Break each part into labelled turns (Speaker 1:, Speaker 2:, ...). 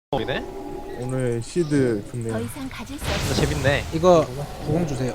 Speaker 1: 이네?
Speaker 2: 오늘 시드
Speaker 3: 더
Speaker 2: 좋네요.
Speaker 3: 이상 가질 수 없어.
Speaker 1: 재밌네.
Speaker 4: 이거 구공 주세요.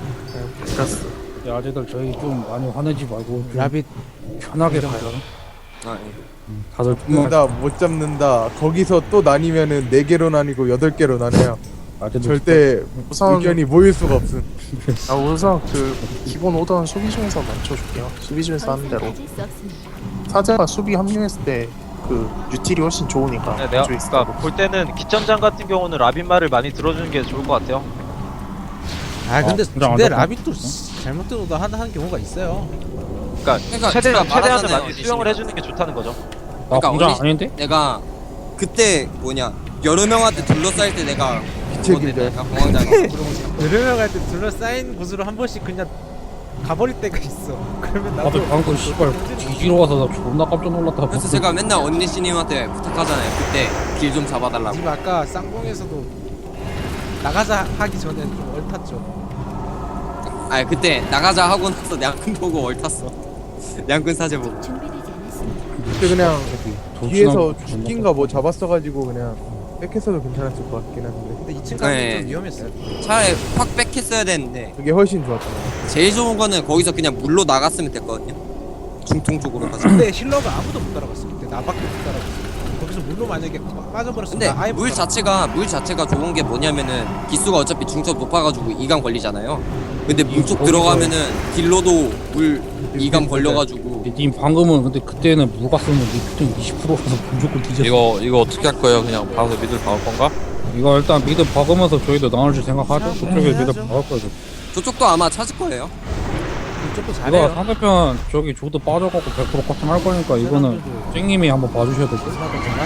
Speaker 5: 야, 아재들 저희 좀 많이 화내지 말고 좀
Speaker 4: 라빗
Speaker 5: 편하게 가요.
Speaker 6: 아,
Speaker 5: 다들
Speaker 2: 잡는다 못 잡는다. 거기서 또 나뉘면은 4개로 나뉘고 8개로 나뉘어요.
Speaker 5: 아재들
Speaker 2: 절대
Speaker 7: 우선
Speaker 2: 의견이 모일 수가 없음.
Speaker 7: 우선 그 기본 오던 수비 중에서 맞춰줄게요. 수비 중에서
Speaker 3: 더
Speaker 7: 하는
Speaker 3: 이상
Speaker 7: 대로
Speaker 3: 가질 수 없습니다.
Speaker 7: 사제가 수비 합류했을 때 그 유틸이 훨씬 좋으니까
Speaker 1: 네, 내가
Speaker 7: 그쪽에 있을
Speaker 1: 그러니까
Speaker 7: 거고.
Speaker 1: 볼 때는 기점장 같은 경우는 라빈 말을 많이 들어주는 게 좋을 것 같아요.
Speaker 4: 아 근데
Speaker 5: 진짜 안
Speaker 4: 근데
Speaker 5: 좋다.
Speaker 4: 라빗도 잘못된 오더 하는 경우가 있어요.
Speaker 1: 그러니까
Speaker 6: 제가
Speaker 1: 최대한을
Speaker 6: 말하잖아요,
Speaker 1: 많이 수용을 해주는 게 좋다는 거죠.
Speaker 5: 나
Speaker 6: 그러니까
Speaker 5: 공장
Speaker 6: 우리-
Speaker 5: 아닌데?
Speaker 6: 내가 그때 여러 명한테 둘러싸일 때 내가
Speaker 2: 빛의 길들.
Speaker 6: 내가 공황장애
Speaker 4: 여러 명할 때 둘러싸인 곳으로 한 번씩 그냥 가버릴 때가 있어. 그러면 나도
Speaker 5: 나도 방금 씨발 뒤지러 가서 나 존나 깜짝 놀랐다.
Speaker 6: 그래서 제가 맨날 언니 씨님한테 부탁하잖아요. 그때 길 좀 잡아달라고.
Speaker 4: 지금 아까 쌍봉에서도 나가자 하기 전에 좀 얼탔죠.
Speaker 6: 아니 그때 나가자 하고 나서 양꾼 보고 얼탔어. 양꾼 사제 보고.
Speaker 3: 준비되지 않았습니다.
Speaker 2: 그때 그냥
Speaker 5: 도치나
Speaker 2: 뒤에서
Speaker 5: 존나
Speaker 2: 죽긴가 뭐 잡았어가지고 그냥 백했어도 괜찮았을 것 같긴 한데
Speaker 4: 근데 2층 가면
Speaker 6: 네.
Speaker 4: 좀 위험했어요.
Speaker 6: 차라리 확 백했어야 되는데
Speaker 2: 그게 훨씬 좋았잖아요.
Speaker 6: 제일 좋은 거는 거기서 그냥 물로 나갔으면 됐거든요. 중통 쪽으로 가서.
Speaker 4: 근데 힐러가 아무도 못 따라갔어. 그때 나밖에 못 따라갔어. 거기서 물로 만약에 빠져버렸으면
Speaker 6: 근데
Speaker 4: 나 아예 못
Speaker 6: 물
Speaker 4: 따라갔어.
Speaker 6: 자체가 좋은 게 뭐냐면은 기수가 어차피 중첩 높아가지고 이감 걸리잖아요. 근데 물쪽 들어가면은 딜로도 물 이감 걸려가지고
Speaker 5: 님 방금은 근데 그때는 물 갔으면 니 표정 20%라서 무조건 뒤졌어.
Speaker 8: 이거 어떻게 할 거예요? 그냥 봐서 미들 박을 건가?
Speaker 5: 이거 일단 미드 박으면서 저희도 나눌 줄 생각하죠.
Speaker 4: 네,
Speaker 5: 그쪽에 미드
Speaker 4: 해야죠.
Speaker 5: 박을 거죠.
Speaker 6: 저쪽도 아마 찾을 거예요.
Speaker 4: 이쪽도
Speaker 5: 이거
Speaker 4: 잘해요.
Speaker 5: 상대편 저기 조드 빠져갖고 100% 커팅 할 거니까 이거는 쨍님이 한번 봐주셔야 될 것 같아요.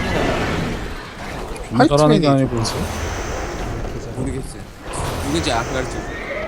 Speaker 5: 존나 잘하는 게 아니고
Speaker 6: 모르겠어요. 누군지 안 가르쳐.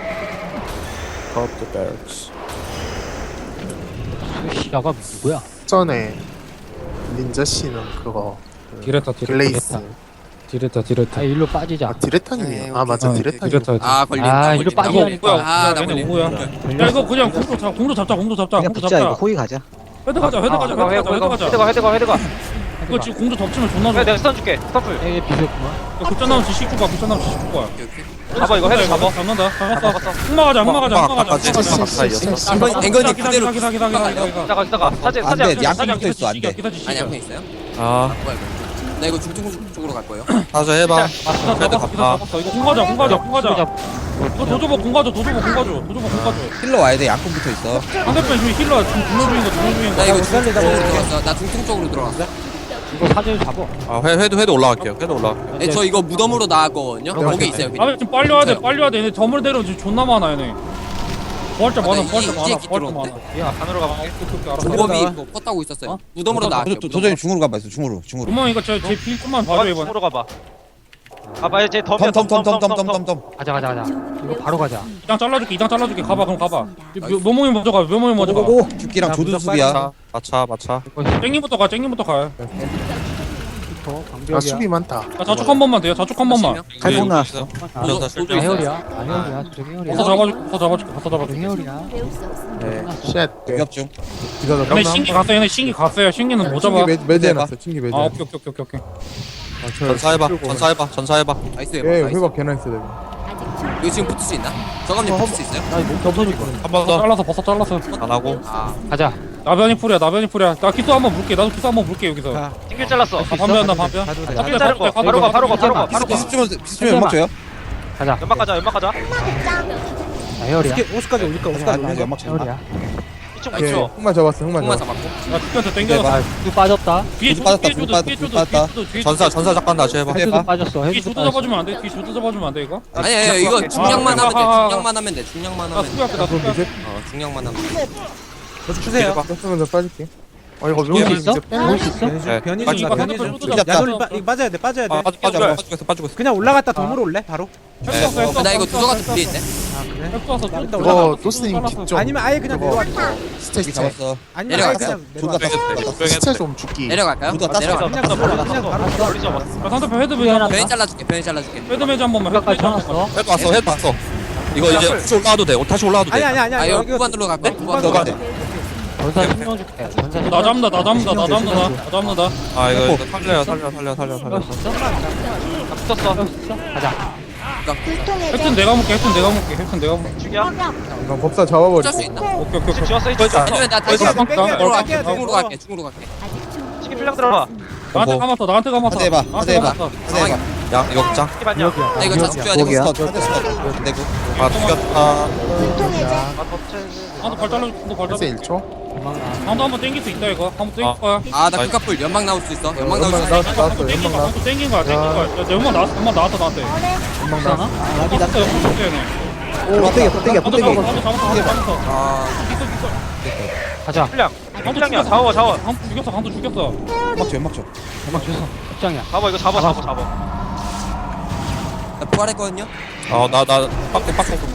Speaker 9: 시야가 누구야?
Speaker 7: 전에 닌자 씨는 그거
Speaker 5: 디레타
Speaker 7: 글레이스
Speaker 5: 디레타
Speaker 9: 아 일로 빠지자.
Speaker 7: 디레타님이요. 아 맞아 디레타님.
Speaker 5: 디레타
Speaker 6: 아 걸린다.
Speaker 9: 아, 이리로 빠지라니까.
Speaker 6: 아나
Speaker 5: 얘네
Speaker 6: 걸린다.
Speaker 5: 오야. 야 이거 그냥 공도 잡자 공도 잡자
Speaker 9: 그냥 붙자 이거 호위 가자.
Speaker 5: 헤드 가자 헤드 가자
Speaker 1: 헤드가.
Speaker 5: 이거 지금 공도 덮치면 존나 좋아.
Speaker 1: 내가 스턴 줄게. 스턴풀.
Speaker 9: 에이 비겼구만.
Speaker 5: 급전 나면 지식 줄 거야 급전 나면 지식 줄 거야.
Speaker 6: 오케이, 오케이.
Speaker 1: 잡아 이거 헤드 잡아.
Speaker 5: 잡는다
Speaker 1: 잡았어.
Speaker 5: 잡았어 흑마가자
Speaker 6: 앵건이 그대로
Speaker 1: 기다가. 사제
Speaker 6: 아니
Speaker 5: 기다지
Speaker 6: 양푼 있어요?
Speaker 8: 아,
Speaker 6: 뭐야 이거? 나 이거 중통 쪽으로 갈 거예요.
Speaker 8: 가서 해봐.
Speaker 5: 잡았어 이거 공가자 이거 도저보 공가줘
Speaker 6: 힐러 와야 돼. 양푼 붙어 있어.
Speaker 5: 상대편 지금 힐러 지금 두명 중인
Speaker 6: 나
Speaker 5: 거
Speaker 6: 이거 중통 쪽으로 들어갔어. 나 중통 쪽으로 들어갔어.
Speaker 9: 이거 사진 잡어.
Speaker 8: 아, 회도 올라갈게요. 회도 올라갈게요.
Speaker 6: 네, 저 이거 무덤으로 나왔거든요. 거기 있어요. 그냥.
Speaker 5: 아 지금 빨리 와야 돼 얘네 덤을 내려 지금 존나 많아 얘네 부활자 많아
Speaker 6: 이제 들어왔대?
Speaker 1: 야 안으로 가봐.
Speaker 6: 조법이 있고 퍼 타고 있었어요. 무덤으로 나왔어요.
Speaker 10: 도저히 중으로 가봐 있어 중으로
Speaker 5: 그만 이거 제 필금만 봐줘 이번에
Speaker 1: 으로 가봐. 가봐 이제 덤이야.
Speaker 10: 덤덤덤덤덤덤덤
Speaker 9: 가자. 이거 바로 가자.
Speaker 5: 이장 잘라줄게 가봐 그럼 가봐 묘몽이 먼저 가
Speaker 10: 오고고 죽기랑 조준 수비야
Speaker 8: 마차.
Speaker 5: 쨍님부터 가
Speaker 7: 아 수비 많다.
Speaker 5: 야, 자축 한 번만 돼요 자축 한 번만
Speaker 9: 칼폭 나왔어.
Speaker 6: 도저
Speaker 9: 해열이야. 해열이야. 저기 해열이야.
Speaker 5: 가서 잡아줄게
Speaker 9: 해열이야.
Speaker 3: 배울 수 없습니다.
Speaker 7: 쉣.
Speaker 10: 위협중
Speaker 2: 기다려.
Speaker 5: 얘네 신기 갔어요 신기는 못 잡아
Speaker 2: 친기 매제해놨어. 친기 매제.
Speaker 5: 아 오케이
Speaker 8: 전사해봐.
Speaker 6: 나이스
Speaker 2: 예,
Speaker 6: 나이스.
Speaker 2: 회복 개나 있어 되고.
Speaker 3: 아직
Speaker 6: 이거 지금 붙을 수 있나? 저감님 붙을 수 있어요?
Speaker 8: 한 번 더.
Speaker 5: 버섯 잘랐어
Speaker 8: 안 하고.
Speaker 6: 아
Speaker 9: 가자.
Speaker 5: 나변이 풀이야 나 기수 한번 물게 나도 기수 한번 물게 여기서
Speaker 4: 가.
Speaker 1: 튕길 잘랐어.
Speaker 5: 반변
Speaker 4: 가도 돼.
Speaker 1: 튕길 자른 거. 바로 가.
Speaker 10: 비스주면 연막 줘요
Speaker 9: 가자.
Speaker 1: 연막 가자.
Speaker 9: 해열이야.
Speaker 4: 50까지 올릴까? 50까지 올릴까?
Speaker 10: 연막 쳐
Speaker 9: 해열이야.
Speaker 1: 이쪽
Speaker 2: 예,
Speaker 1: 이쪽.
Speaker 2: 흑마 잡았어. 흑마
Speaker 6: 흑마
Speaker 2: 잡았어.
Speaker 6: 잡았고.
Speaker 5: 야 죽한테 땡겨서
Speaker 9: 그 빠졌다.
Speaker 5: 뒤에
Speaker 10: 불 빠졌다, 불 빠졌다,
Speaker 5: 뒤에
Speaker 10: 불 빠졌다.
Speaker 8: 전사 잠깐 다시 해봐.
Speaker 9: 헤드도 빠졌어.
Speaker 5: 뒤에
Speaker 9: 헤드도
Speaker 5: 조드
Speaker 9: 빠졌어.
Speaker 5: 잡아주면 안돼 뒤에 조드 잡아주면 안돼 이거
Speaker 6: 아니 이거 중량만 하면 돼. 중량만 하면 돼. 중량만
Speaker 5: 나
Speaker 6: 하면 돼.
Speaker 5: 수비할게 나 수비할게
Speaker 6: 중량만 하면 돼.
Speaker 4: 저도 주세요.
Speaker 2: 떴으면 더 빠질게.
Speaker 7: 어 이거
Speaker 9: 올 수 있어?
Speaker 7: 명
Speaker 9: 올 수 있어?
Speaker 8: 네.
Speaker 4: 변이중
Speaker 5: 빠져.
Speaker 4: 야돌 빠져야 돼.
Speaker 8: 빠지고 있어.
Speaker 4: 그냥 올라갔다 덤으로 올래 바로.
Speaker 6: 나 이거 도저 같은 불리인데.
Speaker 4: 아 그래?
Speaker 5: 했어
Speaker 7: 이거 도스님 뒷쪽
Speaker 4: 아니면 아예 그냥
Speaker 7: 저거.
Speaker 4: 내려와.
Speaker 7: 스테이지
Speaker 10: 잡았어
Speaker 4: 아니면 아예
Speaker 6: 내려갈까요?
Speaker 4: 그냥 내려와.
Speaker 7: 시체 좀 죽기.
Speaker 6: 내려갈까요?
Speaker 10: 누가 땄어?
Speaker 6: 내려가.
Speaker 4: 그냥 바로
Speaker 1: 멀리 잡았어.
Speaker 5: 야 상대편 헤드 매장
Speaker 6: 변이 잘라줄게. 변이 잘라줄게.
Speaker 5: 헤드 매장 한 번만
Speaker 9: 여기까지 쳐놨어.
Speaker 8: 회도 왔어. 이거 이제 다시 올라와도 돼. 다시 올라와도 돼.
Speaker 4: 아니
Speaker 6: 아 이거
Speaker 4: 여기
Speaker 6: 후반으로 갈까?
Speaker 10: 너가
Speaker 6: 후반으로
Speaker 10: 돼
Speaker 6: 갈까?
Speaker 9: 전사 신경 줄게. 전사
Speaker 5: 나 잡는다 나 잡는다 나 잡는다 나 잡는다.
Speaker 8: 아 이거 살려요 살려.
Speaker 1: 붙었어.
Speaker 9: 가자.
Speaker 5: 헬튼 내가 먹게 헬튼 내가 먹게.
Speaker 1: 죽여.
Speaker 2: 이건 법사 잡아버려.
Speaker 6: 짤수 있나?
Speaker 5: 오케이 오케이.
Speaker 1: 지금 지웠어. 이제
Speaker 6: 아니면 나 다시
Speaker 5: 뺄게요.
Speaker 6: 중으로 갈게.
Speaker 5: 뺄게요.
Speaker 6: 중으로 갈게. 중으로 갈게.
Speaker 3: 아직 중.
Speaker 1: 치킨 필량 들어가.
Speaker 5: 나한테 감았어 나한테 감았어.
Speaker 10: 하드 해봐, 하드 해봐.
Speaker 6: 상황이.
Speaker 8: 양 이거 짱.
Speaker 1: 치킨 반영.
Speaker 6: 나 이거 자주 줘야 돼.
Speaker 10: 거기야 스턴 내고
Speaker 8: 아 죽였다.
Speaker 5: 나도 발 잘라줘 나도 발
Speaker 7: 헬스
Speaker 5: 잘라줘.
Speaker 7: 1초.
Speaker 5: 나도 한번 땡길 수 있다 이거. 한번 땡길 거야.
Speaker 6: 아, 나 금카풀 연막 나올 수 있어. 연막 나올 수 있어.
Speaker 2: 나왔어.
Speaker 5: 한번 땡긴 거야 한번 땡긴 거야 땡긴 거야. 야 연막 나왔어 나한테.
Speaker 2: 금방 나.
Speaker 5: 나비 나한테 연막 줬대 얘네.
Speaker 9: 땡겨.
Speaker 5: 나도 잡았어.
Speaker 6: 아,
Speaker 9: 가자.
Speaker 1: 필량.
Speaker 5: 강도
Speaker 1: 필량이야.
Speaker 5: 죽였어.
Speaker 1: 잡아 잡아.
Speaker 5: 강도 죽였어.
Speaker 10: 연막 줘
Speaker 9: 연막 줬어. 입장이야.
Speaker 1: 잡아 이거 잡아.
Speaker 6: 나 부활했거든요.
Speaker 8: 나 빡대.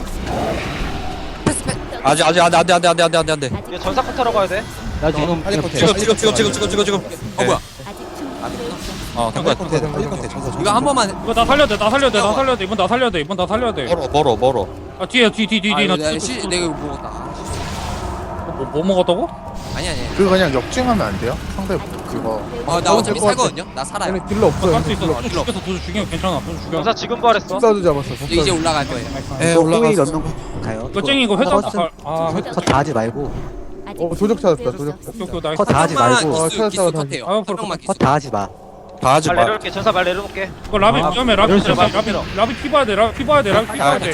Speaker 8: 아직 안돼.
Speaker 1: 이제 전사 컷하러 가야 돼.
Speaker 9: 나 지금
Speaker 10: 빨리
Speaker 9: 그냥
Speaker 10: 컷해
Speaker 8: 지금.
Speaker 6: 어, 뭐야?
Speaker 3: 아직 중.
Speaker 8: 된 거야.
Speaker 10: 빨리 컷해 전사
Speaker 6: 이거 한 번만.
Speaker 5: 이거 나 살려야 돼 이번 나 살려야 돼.
Speaker 8: 멀어.
Speaker 5: 아 뒤에
Speaker 6: 아,
Speaker 5: 나
Speaker 6: 이거 내가 이거 먹었다.
Speaker 5: 뭐 먹었다고?
Speaker 6: 아니.
Speaker 7: 그거 그냥 역주행하면 안 돼요? 상대 그거.
Speaker 6: 나 어차피 살거든요. 나 살아요.
Speaker 2: 얘네 딜러 없어.
Speaker 5: 할수 있어.
Speaker 2: 딜러.
Speaker 5: 도주 죽여서 도주 죽이면 괜찮아. 도주 죽여.
Speaker 1: 전사 지금 부활했어.
Speaker 2: 법사도 잡았어.
Speaker 6: 이제 올라갈 거예요.
Speaker 8: 에 올라갔어.
Speaker 9: 가요.
Speaker 5: 이거 쟁이 이거 회장
Speaker 9: 컷다 하지 말고.
Speaker 3: 아직
Speaker 2: 도적 찾았다. 도적.
Speaker 5: 오케이 나이스.
Speaker 9: 컷 다 하지 말고.
Speaker 2: 아,
Speaker 6: 기수
Speaker 2: 찾았다가
Speaker 6: 컷해요.
Speaker 5: 다시.
Speaker 6: 한 명만 기수.
Speaker 9: 컷 다 하지 마.
Speaker 8: 다 하지
Speaker 1: 말
Speaker 8: 마.
Speaker 1: 내려놓을게. 전사 말 내려놓을게.
Speaker 5: 이거 라비 위험해. 라비 피 봐야 돼. 라비 피 봐야 돼.
Speaker 1: 말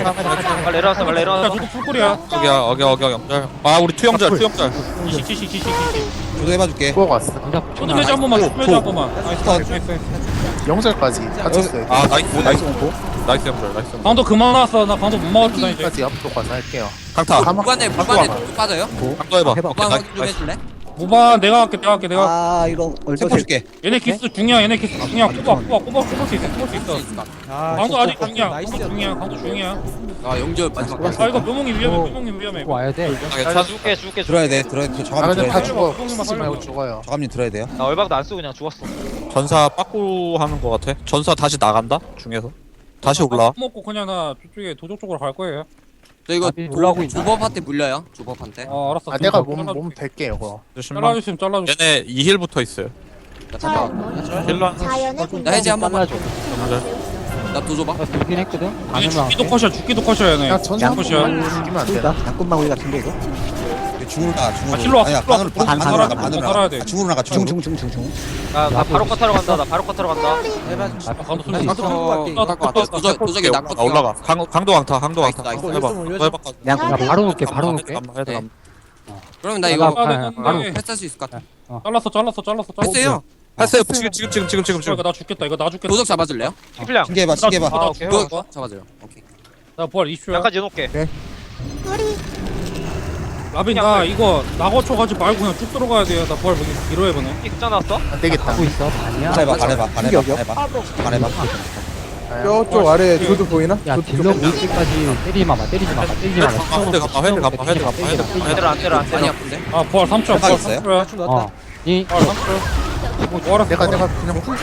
Speaker 1: 내려놨어.
Speaker 5: 나 저거 풀꿀이야.
Speaker 8: 어겨 영절. 아 우리 투영절.
Speaker 5: 지식.
Speaker 10: 저도 해봐줄게
Speaker 7: 구워 왔어.
Speaker 9: 전사
Speaker 5: 초도 매주 한 번만. 초도 매주 한 번만. 나이스.
Speaker 7: 영절까지 같았어요.
Speaker 8: 아 나이스 영절.
Speaker 5: 강도 그만 왔어. 나 강도 못 먹었다 이제.
Speaker 7: 까지 앞으로 가서 할게요.
Speaker 8: 강타.
Speaker 6: 무관에 또 빠져요?
Speaker 8: 강도 해봐.
Speaker 9: 해봐.
Speaker 8: 오케이,
Speaker 6: 무관
Speaker 8: 나이스.
Speaker 6: 확인 좀 해줄래?
Speaker 5: 무반 내가 할게.
Speaker 9: 아 이거
Speaker 10: 세포 줄게
Speaker 5: 얘네 기스 중이야. 뽑을 수 있어.
Speaker 4: 아,
Speaker 5: 강도 아직
Speaker 4: 진짜
Speaker 5: 중이야.
Speaker 4: 나이스였다.
Speaker 5: 강도 중이야.
Speaker 6: 아, 영절 마지막.
Speaker 5: 아 이거 묘몽이 위험해.
Speaker 9: 와야 돼.
Speaker 1: 나 죽게.
Speaker 10: 들어야 돼 저
Speaker 7: 아
Speaker 10: 저감님
Speaker 7: 근데
Speaker 10: 들어야
Speaker 7: 다
Speaker 10: 돼
Speaker 7: 죽어.
Speaker 5: 살려봐.
Speaker 7: 쓰지 말고 죽어요.
Speaker 10: 저감님 들어야 돼요
Speaker 1: 나 얼박도 안 쓰고 그냥 죽었어.
Speaker 8: 전사 빠꾸 하는 거 같아. 전사 다시 나간다 중에서. 다시 올라.
Speaker 5: 먹고 그냥 나 저쪽에 도적 쪽으로 갈 거예요.
Speaker 6: 저 이거
Speaker 9: 나비 올라오고 있나?
Speaker 6: 조법한테 물려요. 조법한테.
Speaker 5: 알았어.
Speaker 7: 아 내가 몸 댈게요 그거.
Speaker 5: 잘라주시면 잘라줘.
Speaker 8: 얘네 2힐부터 있어요.
Speaker 6: 나 잡아.
Speaker 8: 힐러.
Speaker 6: 나 해제 한 번만.
Speaker 8: 영절.
Speaker 6: 나 도줘봐.
Speaker 9: 나 돌긴 했거든.
Speaker 5: 아니 죽기도 컷이야 얘네.
Speaker 7: 그냥 전사 한
Speaker 5: 양컷이야.
Speaker 7: 번만 죽이면 안 되나?
Speaker 9: 양꾼만 우리 같은데 이거.
Speaker 10: 중으로 나가 중으로
Speaker 5: 힐러 와,
Speaker 10: 아니야
Speaker 5: 힐러 와.
Speaker 10: 반으로
Speaker 5: 반
Speaker 10: 반으로
Speaker 5: 살아야
Speaker 10: 나가
Speaker 5: 돼,
Speaker 10: 반으로
Speaker 5: 살아야
Speaker 10: 나가
Speaker 5: 돼.
Speaker 10: 중으로 나가 중으로
Speaker 1: 나 바로 컷하러 간다.
Speaker 5: 강도
Speaker 9: 쏠수
Speaker 5: 쏠수
Speaker 9: 있어.
Speaker 5: 있어.
Speaker 6: 도적이 나
Speaker 8: 나 올라가. 강도 강타.
Speaker 6: 나이스.
Speaker 8: 또 해봐. 또 해봐.
Speaker 9: 야 바로 놓을게. 바로 놓을게.
Speaker 8: 해도
Speaker 6: 그러면 나 이거
Speaker 5: 바로
Speaker 6: 패스할 수 있을 것 같아.
Speaker 5: 잘랐어.
Speaker 6: 패스해요.
Speaker 8: 했어요. 지금.
Speaker 5: 이거 나 죽겠다.
Speaker 6: 도적 잡아줄래요?
Speaker 1: 치킨 필량.
Speaker 10: 신기해봐
Speaker 1: 아 오케이.
Speaker 6: 그거 잡아줘요. 오케이.
Speaker 5: 나 부활 20초야.
Speaker 1: 양까지 해놓을게.
Speaker 5: 라빈 나 이거 나거초 가지 말고 그냥 쭉 들어가야 돼요. 나 부활 보기 길어 해보네.
Speaker 1: 숫자 나왔어?
Speaker 7: 안 되겠다.
Speaker 9: 하고 있어. 반이야.
Speaker 10: 반해봐
Speaker 2: 저쪽 아래 조도 보이나?
Speaker 9: 야 딜러 올 때까지 때리지 마.
Speaker 8: 헤드 감파.
Speaker 6: 많이 아픈데?
Speaker 5: 아 부활 3초.
Speaker 10: 해봐 있어요?
Speaker 5: 3초야.
Speaker 9: 어. 이
Speaker 5: 부활 3초. 부활
Speaker 7: 내가 그냥 풀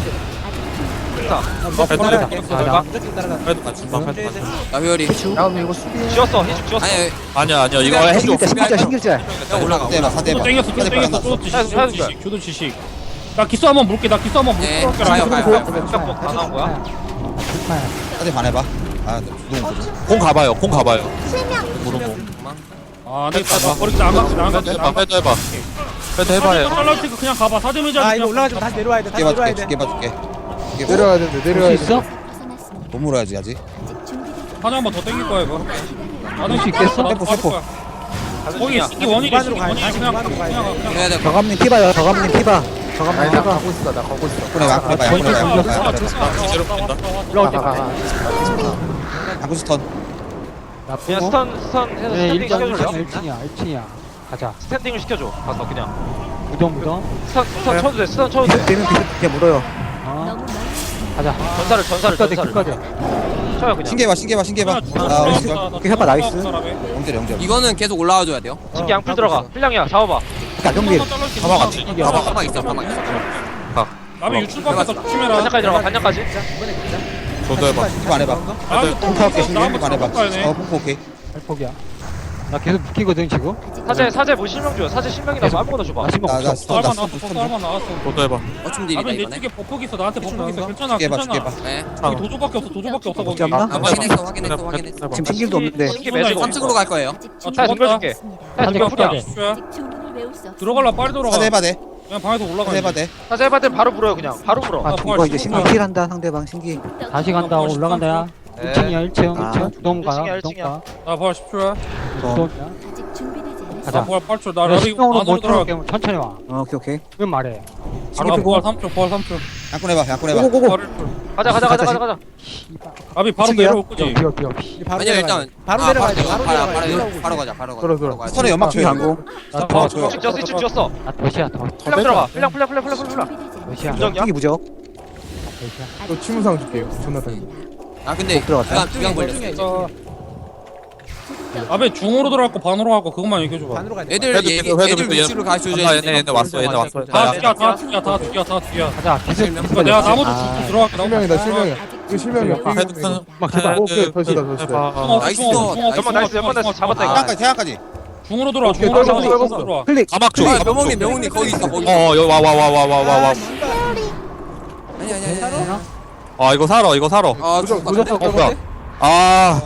Speaker 6: 나 회열이.
Speaker 7: 다음에 이거 수비.
Speaker 1: 지웠어. 희죽 지웠어.
Speaker 6: 아니,
Speaker 8: 아니야. 이거 해줘.
Speaker 9: 신길자.
Speaker 6: 올라가.
Speaker 10: 사대봐 사대봐
Speaker 5: 땡겼어. 교도 지식. 나 기수 한번 물게.
Speaker 6: 네, 가요.
Speaker 1: 다 나온 거야?
Speaker 10: 사대 반해봐 아 주동
Speaker 8: 공 가봐요. 무릎.
Speaker 5: 아, 네, 나 버리기 안 갔지.
Speaker 8: 헤드 해봐. 헤드 해봐요.
Speaker 5: 잘라올 테니까 그냥 가봐. 사드미자.
Speaker 4: 아 이거 올라가지 마. 다시 내려와야 돼. 다시 내려와야 돼.
Speaker 10: 죽게
Speaker 2: 내려와야 되는데 내려와야 돼.
Speaker 9: 있어?
Speaker 3: 벗어났습니다.
Speaker 10: 못 물어야지 아직
Speaker 3: 아직 준비되지
Speaker 5: 하나 한번 더 땡길 거야 이거.
Speaker 9: 할수 있겠어?
Speaker 5: 거기 이 원이
Speaker 4: 무반으로 가야 돼.
Speaker 5: 그냥
Speaker 4: 다시 무반으로 가야 돼.
Speaker 6: 해야 돼.
Speaker 9: 저감님 피봐요. 저감님 피봐.
Speaker 7: 아니 나 가고 있어. 나 가고 있어.
Speaker 10: 그래 양보해봐
Speaker 8: 제로 뺀다.
Speaker 9: 올라올 때
Speaker 7: 가.
Speaker 10: 양구 스턴
Speaker 1: 그냥 스턴 해서
Speaker 9: 네,
Speaker 1: 스탠딩 시켜줄래요?
Speaker 9: 1층이야. 가자.
Speaker 1: 스탠딩을 시켜줘. 가서 그냥.
Speaker 9: 무덤.
Speaker 1: 스턴 쳐도 돼. 스턴 쳐도 돼.
Speaker 9: 되면 그렇게 물어요. 어.
Speaker 3: 너무 멀리
Speaker 9: 가자.
Speaker 1: 전사를
Speaker 9: 끝까지.
Speaker 1: 쳐요 그냥.
Speaker 10: 신기해봐 아
Speaker 9: 오케이, 해봐, 나이스.
Speaker 10: 영절
Speaker 6: 이거는 계속 올라와 줘야 돼요.
Speaker 1: 신기 양풀 들어가. 필량이야. 잡아봐.
Speaker 9: 가정비.
Speaker 8: 가봐 같이.
Speaker 6: 가방 있어.
Speaker 5: 나비 유출 밖에서 조심해라.
Speaker 1: 반장까지 들어가. 반장까지.
Speaker 8: 저도 해봐.
Speaker 10: 반해봐
Speaker 5: 나한테
Speaker 10: 반해봐 어 폭포 오케이
Speaker 9: 발폭이야. 나 계속 묶이거든 지금.
Speaker 1: 사제 뭐 실명 줘요. 사제 실명이라서 아무거나 줘봐.
Speaker 9: 나 신경
Speaker 10: 나
Speaker 9: 없어.
Speaker 10: 스턴 나
Speaker 5: 쌀만
Speaker 10: 스턴
Speaker 5: 나왔어
Speaker 10: 스턴
Speaker 5: 쌀만 나왔어
Speaker 8: 저도 해봐.
Speaker 6: 어쩜 딜이다
Speaker 5: 아니 내
Speaker 6: 이번에.
Speaker 5: 쪽에 버프 있어 나한테 버프 있어 괜찮아
Speaker 10: 죽게 해봐 죽게
Speaker 5: 괜찮아
Speaker 10: 해봐
Speaker 6: 네.
Speaker 5: 여기 도조밖에 없어 도조밖에 없어 거기
Speaker 9: 없나?
Speaker 6: 아, 확인했어 확인했어.
Speaker 9: 지금 신길도 없는데.
Speaker 1: 신기 매직.
Speaker 6: 3층으로 갈 거예요.
Speaker 1: 사 덤벼줄게. 사
Speaker 5: 아직
Speaker 1: 덤벼.
Speaker 5: 없다 들어갈라 빨리 들어가
Speaker 10: 사대 해봐 돼
Speaker 5: 그냥 방에서 올라가
Speaker 10: 사대 해봐 돼
Speaker 1: 사제 해봐 때 바로 불어요 그냥. 바로 불어.
Speaker 9: 아 이거 이제 신기 킬한다 상대방 신기.
Speaker 3: 다시 간다. 올라간다야.
Speaker 1: 네.
Speaker 3: 1층이야 1층.
Speaker 9: 아.
Speaker 3: 1층. 부동 가.
Speaker 1: 1층이야,
Speaker 3: 부동
Speaker 1: 1층이야.
Speaker 3: 가.
Speaker 5: 나 부활 10초야
Speaker 3: 부동이야.
Speaker 11: 아직 준비되지 않았어.
Speaker 3: 가자.
Speaker 5: 나 부활 8초 나
Speaker 3: 나
Speaker 5: 라비
Speaker 3: 신경으로
Speaker 5: 안으로
Speaker 3: 못
Speaker 5: 들어가
Speaker 3: 들어갈게. 천천히 와.
Speaker 9: 오케이 오케이.
Speaker 3: 그건 말해.
Speaker 5: 나 부활 3초 부활 3초
Speaker 10: 양꾼 해봐 양꾼 해봐
Speaker 9: 고고고고.
Speaker 5: 부활 1초
Speaker 1: 가자.
Speaker 5: 라비 바로
Speaker 9: 층이야?
Speaker 5: 내려올 거지
Speaker 3: 비어 비어.
Speaker 4: 바로
Speaker 6: 아니야
Speaker 4: 내려가야
Speaker 6: 일단
Speaker 4: 돼. 바로 내려가야 돼. 바로 내려가야 돼.
Speaker 6: 바로 가자 바로 가자.
Speaker 2: 들어, 들어.
Speaker 6: 바로 가야 돼.
Speaker 10: 스턴에 연막 줘요
Speaker 9: 강고.
Speaker 3: 나
Speaker 5: 더,
Speaker 3: 더.
Speaker 1: 이층 지었어. 이층 지었어.
Speaker 3: 나 더시야 더.
Speaker 1: 플랑 들어가. 플랑.
Speaker 11: 준비되지 않았어.
Speaker 3: 더시야.
Speaker 1: 무적이야?
Speaker 9: 신기 무적.
Speaker 3: 더시야.
Speaker 2: 또 치무상 줄게요. 존나 단.
Speaker 6: 아 근데
Speaker 9: 못 들어갔다.
Speaker 6: 두명 걸렸어.
Speaker 5: 라비 중으로 들어갈 거 반으로 갈 거 그것만 얘기해줘봐
Speaker 4: 반으로 가야 돼.
Speaker 6: 애들 애들 위치로 가르쳐줘야
Speaker 8: 얘네 왔어 얘네 왔어.
Speaker 5: 다 죽여 다 죽여 다 죽여 다 죽여
Speaker 3: 가자. 기술.
Speaker 5: 그러니까 내가 나머지
Speaker 9: 아.
Speaker 5: 죽고 들어갈게
Speaker 2: 실명이다 실명이야. 이거 실명이야.
Speaker 8: 헤드폰
Speaker 2: 막 제발. 오케이 더시다 더시다.
Speaker 6: 나이스.
Speaker 1: 잠깐만 나이스. 연만 나이스. 잡았다 이거.
Speaker 10: 대학까지 대학까지
Speaker 5: 중으로 들어와
Speaker 2: 오케이,
Speaker 5: 중으로
Speaker 2: 떨궜어, 떨궜어.
Speaker 5: 들어와
Speaker 9: 클릭.
Speaker 8: 가막 줘.
Speaker 6: 아 명훈님 거기 있어 거기.
Speaker 8: 어 여기 와.
Speaker 6: 아니.
Speaker 8: 아 이거 살아 이거 살아.
Speaker 6: 아
Speaker 2: 무적
Speaker 6: 죽었다.
Speaker 8: 뭐야? 아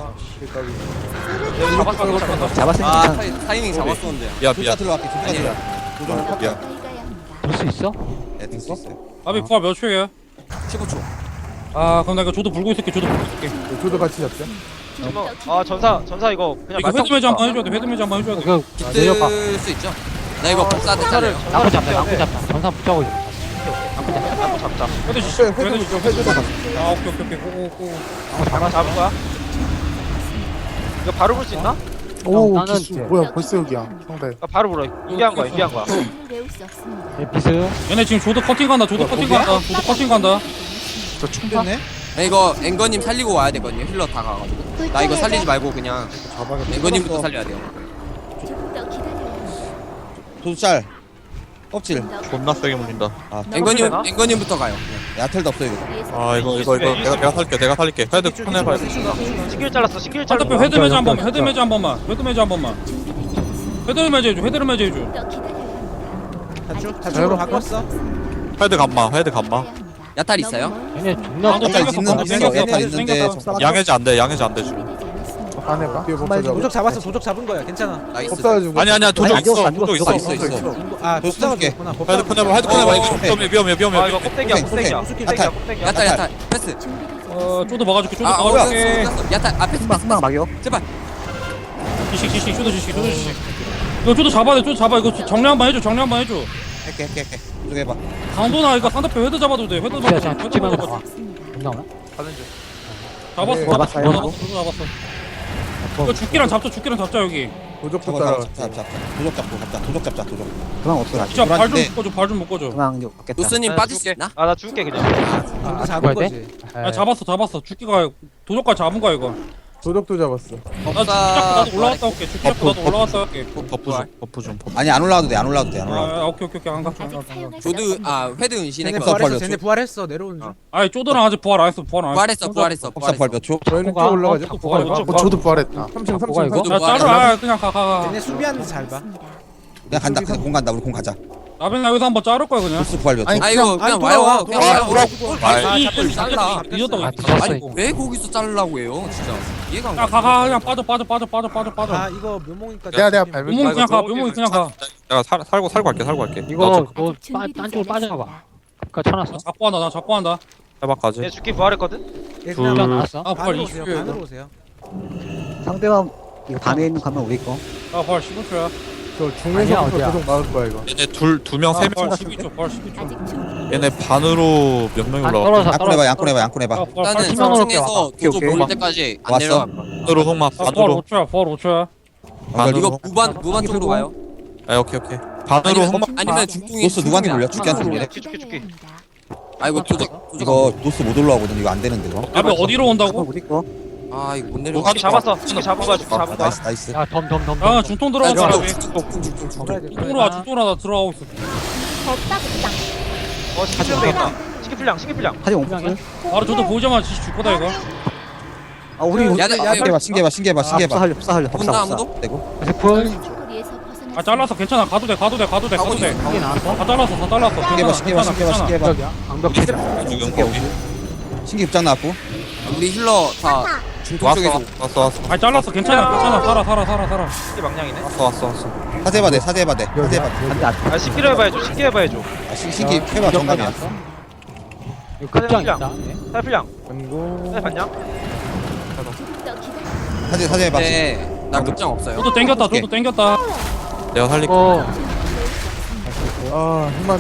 Speaker 9: 잡았으면
Speaker 6: 아
Speaker 9: 괜찮아.
Speaker 6: 타이밍 잡았었는데.
Speaker 8: 미안
Speaker 10: 조자
Speaker 8: 미안.
Speaker 10: 들어갈게 조자 들어가 조정 미안
Speaker 3: 될수 있어?
Speaker 10: 네 될수 있어요
Speaker 5: 라비 부활 몇 초야?
Speaker 6: 15초.
Speaker 5: 아 그럼 나 이거 조도 불고 있을게 조도 불고 있을게
Speaker 2: 저도 같이 잡자.
Speaker 1: 아 전사 이거 그냥
Speaker 5: 이거 헤드 매지 한번 해줘야 돼 헤드 매지 한번 해줘야 돼
Speaker 3: 이거 내려봐.
Speaker 6: 뜰 수 있죠. 나 이거 복사 됐잖아요.
Speaker 3: 나무 잡자. 나무 잡자. 전사 붙자고 있어.
Speaker 1: 나무 잡자.
Speaker 5: 헤드 씨
Speaker 2: 헤드
Speaker 5: 헤드 씨
Speaker 2: 무적 헤드.
Speaker 5: 아 오케이 고고고
Speaker 1: 나무 잡은 거야? 이거 바로 불 수 있나?
Speaker 7: 오
Speaker 3: 나는
Speaker 7: 기수
Speaker 3: 이제-
Speaker 7: 뭐야 벌써 여기야 상대
Speaker 1: 아, 바로 불어. 인비한 거야.
Speaker 11: 외울 수 없습니다.
Speaker 3: 내 비스.
Speaker 5: 얘네 지금 조도 커팅 간다 조도 커팅 간다 조도 커팅 간다
Speaker 10: 저총 됐네
Speaker 6: 이거 앵거님 살리고 와야 되거든요. 힐러 다 가가지고. 나 이거 살리지 말고 그냥 앵거님부터 살려야 돼요.
Speaker 11: 조금 더 기다려야 합니다.
Speaker 10: 도짤 껍질
Speaker 8: 존나 세게 물린다.
Speaker 6: 앵거님부터 가요.
Speaker 10: 야텔도 없어 이거
Speaker 8: 아 이거 내가 살릴게. 헤드 폰 해봐.
Speaker 1: 신길 잘랐어. 신길
Speaker 5: 반대편
Speaker 1: 잘랐어.
Speaker 5: 헤드 매지 한 번만 헤드 매지 한 번만 헤드 매지 한 번만 헤드 매지 해줘 헤드를 매지 해줘
Speaker 11: 더 기다려야 합니다.
Speaker 4: 다쭉 다쭉으로 바꿨어.
Speaker 8: 헤드 감마.
Speaker 6: 야탈 있어요?
Speaker 3: 얘네 존나
Speaker 5: 방금
Speaker 10: 야탈
Speaker 5: 땡겼어,
Speaker 10: 있는
Speaker 5: 방금
Speaker 10: 있어
Speaker 5: 땡겼어,
Speaker 10: 야탈 있는데
Speaker 5: 땡겼어.
Speaker 8: 양해지 안 돼 지금.
Speaker 11: 준비되지 않았습니다.
Speaker 7: 안 해봐
Speaker 2: 뒤에 법사 잡아.
Speaker 4: 도적 잡았어. 도적 잡은 거야. 괜찮아.
Speaker 6: 나이스.
Speaker 2: 법사가지고.
Speaker 8: 아니야 도적
Speaker 9: 안 죽었어,
Speaker 8: 있어
Speaker 9: 안
Speaker 8: 도적
Speaker 9: 죽었어.
Speaker 8: 있어.
Speaker 10: 있어
Speaker 4: 아
Speaker 10: 도적
Speaker 4: 법사가
Speaker 10: 쏠게.
Speaker 4: 좋구나.
Speaker 8: 헤드 폰 해봐 이거 위험해.
Speaker 1: 아 이거 껍데기야. 껍데기야.
Speaker 10: 오케이.
Speaker 1: 껍데기야. 껍데기야.
Speaker 6: 야탈 패스.
Speaker 5: 쪼도 막아줄게 쪼도
Speaker 6: 아 뭐야?
Speaker 5: 막아줄게
Speaker 6: 야탈 앞에
Speaker 9: 금방 막여.
Speaker 6: 제발.
Speaker 5: 지식 쪼도 지식 이거 쪼도 잡아야 돼 쪼도 잡아 이거 정리 한번 해줘
Speaker 10: 할게 조정 해봐
Speaker 5: 강도나 이거 상대편 헤드 잡아도 돼 헤드
Speaker 3: 야,
Speaker 5: 잡아도
Speaker 3: 자,
Speaker 5: 돼
Speaker 3: 죽지 말고 나와.
Speaker 11: 없습니다.
Speaker 3: 안 나오나?
Speaker 1: 가는 중.
Speaker 5: 잡았어
Speaker 2: 네,
Speaker 9: 잡았어요.
Speaker 5: 쪼도 잡았어 이거 죽기랑 잡자 여기
Speaker 2: 도적도 따라.
Speaker 10: 잡자 도적 잡자 도적
Speaker 9: 그만 없어.
Speaker 5: 진짜 발 좀
Speaker 10: 불안한데.
Speaker 5: 묶어줘 발 좀 묶어줘
Speaker 9: 그만 이제 받겠다.
Speaker 6: 노스님 빠질 수 있나?
Speaker 1: 아 나 죽을게 그냥.
Speaker 4: 도 잡은
Speaker 3: 죽어야
Speaker 4: 거지.
Speaker 5: 아 잡았어 죽기가 도적까지 잡은 거야 이거
Speaker 2: 도적도 잡았어.
Speaker 5: 나도 올라갔다 올게 죽기 잡고 나도 올라갔다 올게
Speaker 8: 버프 좀.
Speaker 10: 아니 안 올라와도 돼 안 올라와도 돼
Speaker 5: 아 오케이 안 가.
Speaker 11: 아직 사용할 수
Speaker 6: 조드
Speaker 11: 없습니다.
Speaker 6: 헤드 은신의
Speaker 4: 쟤네
Speaker 6: 거.
Speaker 4: 부활했어. 쟤네 부활했어. 내려오는 중.
Speaker 5: 아니 쪼드랑 아직 부활 안 했어
Speaker 6: 부활했어.
Speaker 10: 법사 부활 몇 초?
Speaker 2: 저희는 쭉
Speaker 3: 뭐가?
Speaker 2: 올라가죠.
Speaker 5: 부활
Speaker 7: 저도 부활했다
Speaker 2: 3층
Speaker 3: 뭐가 이거?
Speaker 2: 3층.
Speaker 5: 야 자르 그냥 가
Speaker 4: 쟤네 수비하는 잘 봐.
Speaker 10: 그냥 간다 그냥 공 간다 우리 공 가자
Speaker 5: 나빈 여기서 한번 자를 거야 그냥
Speaker 10: 도스 부활 몇 초?
Speaker 6: 아 이거 그냥 와요. 그냥 와요.
Speaker 5: 이
Speaker 6: 잘라.
Speaker 5: 늦었다고
Speaker 3: 아, 뒤졌어,
Speaker 6: 아니
Speaker 3: 이거.
Speaker 6: 왜 거기서 자르려고 해요? 진짜 이해가 안 가.
Speaker 5: 가 그냥 빠져
Speaker 4: 아 이거 묘목이니까.
Speaker 7: 내가 밟을
Speaker 5: 묘목이 그냥 가 묘목이 그냥 가
Speaker 8: 내가 살고 할게.
Speaker 3: 이거 너
Speaker 11: 아직 준비되지
Speaker 3: 딴 쪽으로
Speaker 11: 않았습니다.
Speaker 3: 빠져봐. 그니까 쳐놨어.
Speaker 5: 나 잡고 한다
Speaker 8: 해봐까지.
Speaker 1: 얘 죽기 부활했거든.
Speaker 4: 얘
Speaker 3: 그냥
Speaker 4: 그냥
Speaker 3: 나왔어.
Speaker 5: 아 부활
Speaker 4: 반으로 오세요.
Speaker 5: 20초야
Speaker 4: 반으로 오세요.
Speaker 9: 상대방 이거 반에 있는 가면 우리 거.
Speaker 5: 아 부활 15초야
Speaker 2: 저
Speaker 3: 아니야,
Speaker 2: 중에서부터
Speaker 3: 어디야?
Speaker 2: 도적 막을 거야 이거.
Speaker 8: 얘네 두명 세
Speaker 5: 부활
Speaker 8: 명.
Speaker 5: 12초 부활 12초
Speaker 11: 아직 준비.
Speaker 8: 얘네 반으로 몇 명이
Speaker 3: 안
Speaker 8: 올라가?
Speaker 3: 떨어져.
Speaker 10: 양꾼 해봐
Speaker 5: 부활
Speaker 6: 일단은
Speaker 5: 8초
Speaker 3: 팀원으로
Speaker 6: 성층에서
Speaker 9: 오케이,
Speaker 6: 도적
Speaker 9: 오케이.
Speaker 6: 모을 때까지 안
Speaker 10: 왔어.
Speaker 6: 내려갈 거야.
Speaker 8: 반으로 흑마
Speaker 5: 부활
Speaker 8: 반으로
Speaker 5: 5초야
Speaker 8: 반으로.
Speaker 6: 이거 무반 쪽으로 가요.
Speaker 8: 아 오케이. 반으로 흑마.
Speaker 6: 아니면 중통이
Speaker 10: 노스 누구한테 물려? 죽기한테 물려?
Speaker 1: 죽기.
Speaker 6: 아 이거 도적
Speaker 10: 이거 노스 못 올라오거든 이거 안 되는데 이거
Speaker 5: 아비 어디로
Speaker 9: 가면
Speaker 5: 온다고?
Speaker 9: 우리 거.
Speaker 6: 아 이거 못
Speaker 1: 죽기
Speaker 6: 내려가.
Speaker 1: 잡았어. 죽기 잡은 거야. 죽기 잡은 거야.
Speaker 10: 나이스
Speaker 3: 야, 덤.
Speaker 5: 아 중통 들어가자 아비
Speaker 4: 잡아야 돼.
Speaker 5: 중통으로 와 중통으로 나 들어가고 있어
Speaker 1: 신기 풀량 되겠다. 신기 풀량.
Speaker 9: 하지 못.
Speaker 5: 바로 저도 보자마자 지시 줄 거다 이거
Speaker 9: 아 우리
Speaker 6: 야,
Speaker 10: 신기해봐 신기해봐 신기해봐 신기해봐
Speaker 9: 법사 살려 법사
Speaker 6: 없나
Speaker 9: 법사.
Speaker 6: 아무도?
Speaker 10: 되고
Speaker 11: 거리에서
Speaker 3: 세풀
Speaker 11: 벗어나.
Speaker 5: 아 잘랐어 괜찮아 가도 돼 가도 돼 가도 돼 가도 돼.
Speaker 3: 크게 나왔어?
Speaker 5: 다 잘랐어 다 잘랐어.
Speaker 10: 신기해봐 신기해봐 신기해봐 신기해봐
Speaker 3: 여기야 방벽 피자
Speaker 10: 신기 급장 나왔고
Speaker 6: 우리 힐러 다 중통 쪽에서
Speaker 8: 왔어.
Speaker 5: 아 잘랐어 괜찮아 살아.
Speaker 1: 이게 망량이네.
Speaker 8: 왔어.
Speaker 10: 사제해봐 돼 사제해봐 돼 사제해봐 돼
Speaker 9: 안돼 안돼.
Speaker 1: 아 신기로 해봐야죠. 신기 해봐야죠.
Speaker 10: 신기 해봐 정답이야
Speaker 3: 이거 급장 있다
Speaker 1: 살필량.
Speaker 2: 안고
Speaker 1: 살 봤냐?
Speaker 11: 조금 더 기다려.
Speaker 10: 사제해봐
Speaker 6: 네나 급장 없어요.
Speaker 5: 저도 땡겼다 저도 땡겼다.
Speaker 8: 내가 살릴게.
Speaker 2: 아 힘만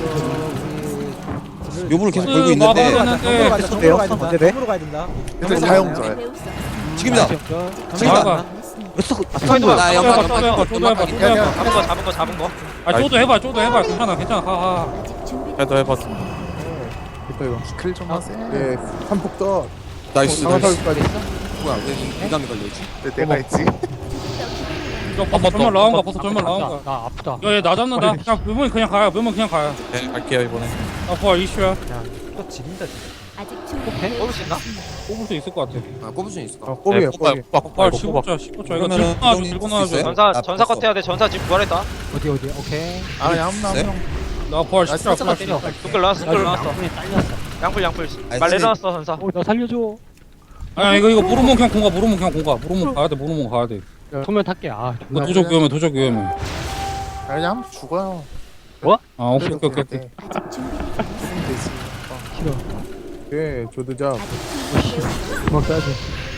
Speaker 10: 묘부를 계속
Speaker 5: 그
Speaker 10: 걸고 있는데
Speaker 5: 마법은-
Speaker 4: 정으로 가야 된다.
Speaker 9: 어때요?
Speaker 4: 정으로 가야 된다.
Speaker 9: 어때 돼?
Speaker 4: 정으로 가야 된다.
Speaker 7: 근데 사용자야.
Speaker 11: 배울 수 없습니다.
Speaker 10: 지금이다
Speaker 5: 잡아봐.
Speaker 1: 스파이더가
Speaker 6: 나
Speaker 5: 쪼도
Speaker 6: 연막
Speaker 5: 해봐 쪼도 해봐 쪼도 해봐 쪼도 해봐.
Speaker 1: 잡은 거.
Speaker 5: 아 쪼도 해봐 괜찮아 가가.
Speaker 11: 아직 준비.
Speaker 8: 해도 해봐.
Speaker 2: 됐다 이거
Speaker 7: 클 좀 하세요.
Speaker 2: 예 한폭 떠
Speaker 8: 나이스.
Speaker 2: 상하살까지
Speaker 6: 뭐야 왜 민감이 걸려있지?
Speaker 7: 내가 했지.
Speaker 5: 저 버섯 정말 나온 거야 버섯 정말 나온 거야.
Speaker 3: 나 아프다
Speaker 5: 야얘 나 잡는다. 그냥 묘문 그냥 가요 묘문 그냥 가요.
Speaker 8: 네, 갈게요 이번에.
Speaker 5: 나 부활 이슈야.
Speaker 4: 또 지린다 진짜.
Speaker 11: 아직 준비.
Speaker 1: 뽑을 수 있나?
Speaker 5: 뽑을 수 있을 것 같아.
Speaker 6: 아 꼽을 수 있을까?
Speaker 2: 꼬비야 꼬비
Speaker 5: 부활 15초 이거
Speaker 10: 그러면은
Speaker 5: 들고 나와줘
Speaker 10: 형님
Speaker 5: 들고
Speaker 10: 쓸수
Speaker 5: 나와줘.
Speaker 10: 있어요?
Speaker 1: 전사 컷 해야 돼. 전사 지금 부활했다.
Speaker 3: 어디 오케이
Speaker 7: 아 그냥 아무나
Speaker 10: 네?
Speaker 7: 한 명.
Speaker 5: 나 부활 10초
Speaker 3: 살짝 때려
Speaker 1: 두끌 나왔어. 두끌 나왔어.
Speaker 3: 양분이 딸렸어
Speaker 1: 양풀.
Speaker 10: 아니,
Speaker 1: 말
Speaker 10: 선생님.
Speaker 1: 내려놨어 전사.
Speaker 3: 나 살려줘
Speaker 5: 아니 이거 모르면 그냥 공가 모르면 가야 돼 모르면 가야 돼.
Speaker 3: 소면 탈게 아
Speaker 5: 이거 도적 위험해.
Speaker 7: 아, 그냥 한번 죽어요.
Speaker 5: 아 오케이.
Speaker 11: 아직 준비되지 않았습니다.
Speaker 7: 되지.
Speaker 2: 예 조드자
Speaker 11: 아직 준비되지
Speaker 3: 주먹 따지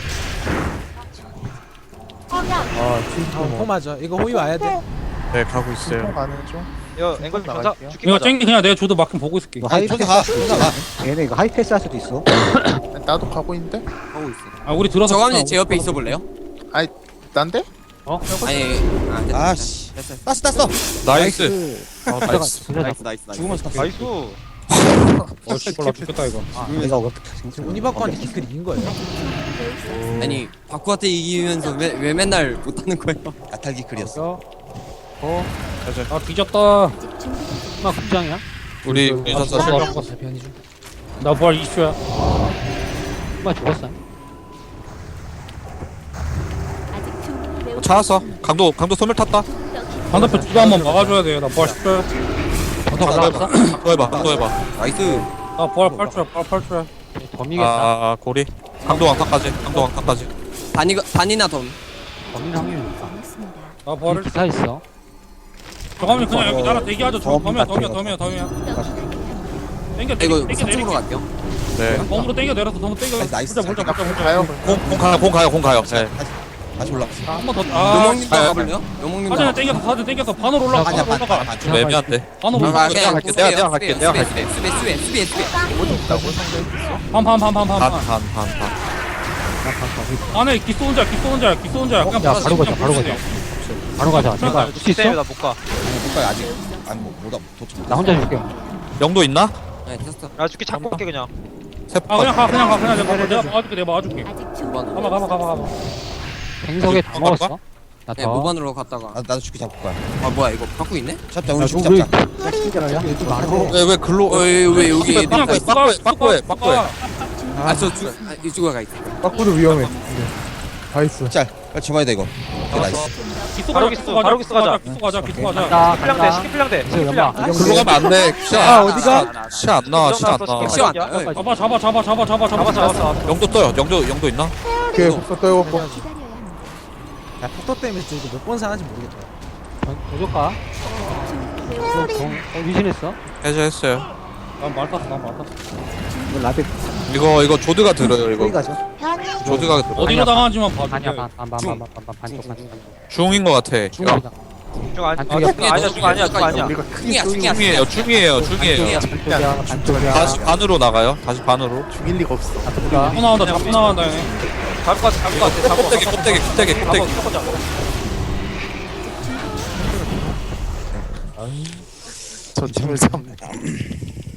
Speaker 2: 아 진짜
Speaker 4: 호 맞아. 이거 호위 와야 돼.
Speaker 8: 네 가고 있어요.
Speaker 7: 통 가는 중.
Speaker 1: 이거 앵글 전사
Speaker 7: 나갈게요.
Speaker 1: 죽긴
Speaker 5: 이거
Speaker 1: 가자.
Speaker 5: 쨍기 그냥 내가 줘도 막힌 보고 있을게.
Speaker 9: 이거
Speaker 10: 아니
Speaker 9: 하이패스
Speaker 10: 전사 가 전사 가
Speaker 9: 얘네 이거 하이패스 할 수도 있어.
Speaker 7: 나도 가고 있는데.
Speaker 6: 하고 있어.
Speaker 5: 아 우리 들어서
Speaker 6: 저감님 제 옆에 있어 볼래요?
Speaker 7: 난데?
Speaker 6: 아니 아 됐다.
Speaker 10: 아씨
Speaker 6: 됐어.
Speaker 10: 땄어
Speaker 8: 나이스. 아,
Speaker 3: 들어가
Speaker 8: 나이스.
Speaker 3: 들어가
Speaker 6: 나이스 나이스 나이스.
Speaker 10: 죽으면 땄어
Speaker 1: 나이스.
Speaker 5: 씨발라 죽겠다 이거.
Speaker 9: 내가 왜
Speaker 4: 지금 우니바코한테 기클 이긴 거예요.
Speaker 6: 아니 바쿠한테 이기면서 왜 맨날 못하는 거예요?
Speaker 10: 아탈기 클이었어
Speaker 5: 아 뒤졌다.
Speaker 11: 아직 준비되지
Speaker 3: 마 급장이야?
Speaker 8: 우리 전사 실력.
Speaker 5: 나 부활 이슈야.
Speaker 3: 마 죽었어
Speaker 11: 아직 준비를 배울 수
Speaker 8: 찾았어.
Speaker 11: 없습니다.
Speaker 8: 강도 소멸 탔다.
Speaker 11: 조금 더 기다려.
Speaker 5: 반대편 두도 한번 막아줘야 돼. 나 부활 10초야.
Speaker 8: 강도 해봐.
Speaker 10: 나이스
Speaker 5: 나 부활 8초야. 부활 8초야.
Speaker 3: 범이겠다
Speaker 8: 아 고리. 강도 왕타까지.
Speaker 6: 반이나 덤.
Speaker 3: 범인 확률이 있다
Speaker 11: 않았습니다.
Speaker 5: 나 부활을.
Speaker 3: 기사 있어
Speaker 5: 저가면 그냥 여기 나랑 대기하자. 저 덤이야.
Speaker 11: 조금 더 기다려.
Speaker 5: 땡겨
Speaker 6: 이거
Speaker 5: 땡겨
Speaker 6: 3층으로
Speaker 5: 내릴게.
Speaker 6: 갈게요.
Speaker 8: 네.
Speaker 5: 덤으로 땡겨 내려서 덤으로 땡겨.
Speaker 10: 나이스.
Speaker 5: 보자.
Speaker 7: 가요.
Speaker 8: 공 가요. 네.
Speaker 10: 다시 올라갔어
Speaker 5: 한번 더. 아.
Speaker 6: 요몽님도 가볼래요? 요몽님도.
Speaker 5: 사진을 땡겨서 사진 땡겨서 반으로 올라가.
Speaker 10: 아니야
Speaker 5: 반으로 올라가.
Speaker 10: 반
Speaker 8: 좀 애매한데.
Speaker 5: 반으로
Speaker 6: 아,
Speaker 5: 올라가.
Speaker 6: 그냥
Speaker 8: 갈게, 내가 갈게, 내가 갈게.
Speaker 6: 수비.
Speaker 5: 반.
Speaker 8: 반.
Speaker 5: 안에 기스 혼자. 그냥
Speaker 3: 야 바로 가자 바로 가자 내가 줄 수 있어?
Speaker 1: 때문에 나못 가.
Speaker 10: 못가 아직 안못 도착
Speaker 3: 나 혼자 줄게
Speaker 8: 영도 있나?
Speaker 6: 네 됐어.
Speaker 1: 나 죽기 잡고 올게 그냥.
Speaker 5: 아 그냥 가 내가 막아줄게
Speaker 11: 아직 준비를
Speaker 5: 가봐
Speaker 3: 갱석에 다 먹었어?
Speaker 6: 네
Speaker 3: 나더
Speaker 6: 모반으로 갔다가.
Speaker 10: 나도 죽기 잡을 거야
Speaker 6: 아 뭐야 이거 바꾸 있네?
Speaker 10: 잡자 우리 죽기 잡자
Speaker 8: 왜 글로?
Speaker 6: 왜 여기 애들
Speaker 5: 그냥
Speaker 6: 다 있어?
Speaker 8: 빠꾸해.
Speaker 6: 아저 이쪽으로 가 있어.
Speaker 2: 빠꾸도 위험해 다 있어
Speaker 10: 짤 빨리 잡아야 돼 이거 오케이 나이스
Speaker 5: 기수
Speaker 1: 바로
Speaker 5: 가자
Speaker 1: 기수 가자.
Speaker 5: 기수 가자
Speaker 3: 간다
Speaker 1: 시필량대 시필량대.
Speaker 3: 그래서 연마
Speaker 8: 글로 가면 안 돼.
Speaker 2: 아, 어디가?
Speaker 8: 시안 나와.
Speaker 6: 시안 나요.
Speaker 1: 잡았어.
Speaker 8: 영도 떠요. 영도 있나?
Speaker 2: 오케이 속도 떠요
Speaker 11: 기다려야 합니다.
Speaker 4: 야 폭도 때문에 지금 이거 몇번 사는지 모르겠다.
Speaker 3: 도적가 위신했어?
Speaker 8: 해제했어요.
Speaker 5: 난말 탔어
Speaker 9: 이거 라벨
Speaker 8: 이거 조드가 들어요.
Speaker 9: 소리
Speaker 8: 이거
Speaker 9: 가죠.
Speaker 8: 조드가 들어.
Speaker 5: 어디로 당하는지만 봐줄게.
Speaker 3: 아니야 반쪽
Speaker 8: 중인 것 같아. 이거
Speaker 3: 중이다
Speaker 1: 중 아니야.
Speaker 3: 반쪽이야.
Speaker 1: 중 아니야.
Speaker 7: 우리가
Speaker 6: 중이야.
Speaker 8: 중이에요.
Speaker 3: 반쪽이야
Speaker 8: 다시 반으로 나가요. 다시 반으로.
Speaker 7: 죽일 리가 없어.
Speaker 5: 잡고 나온다 얘네.
Speaker 1: 잡을 것 같아.
Speaker 8: 껍데기.
Speaker 1: 잡아.
Speaker 7: 저 팀을 잡네.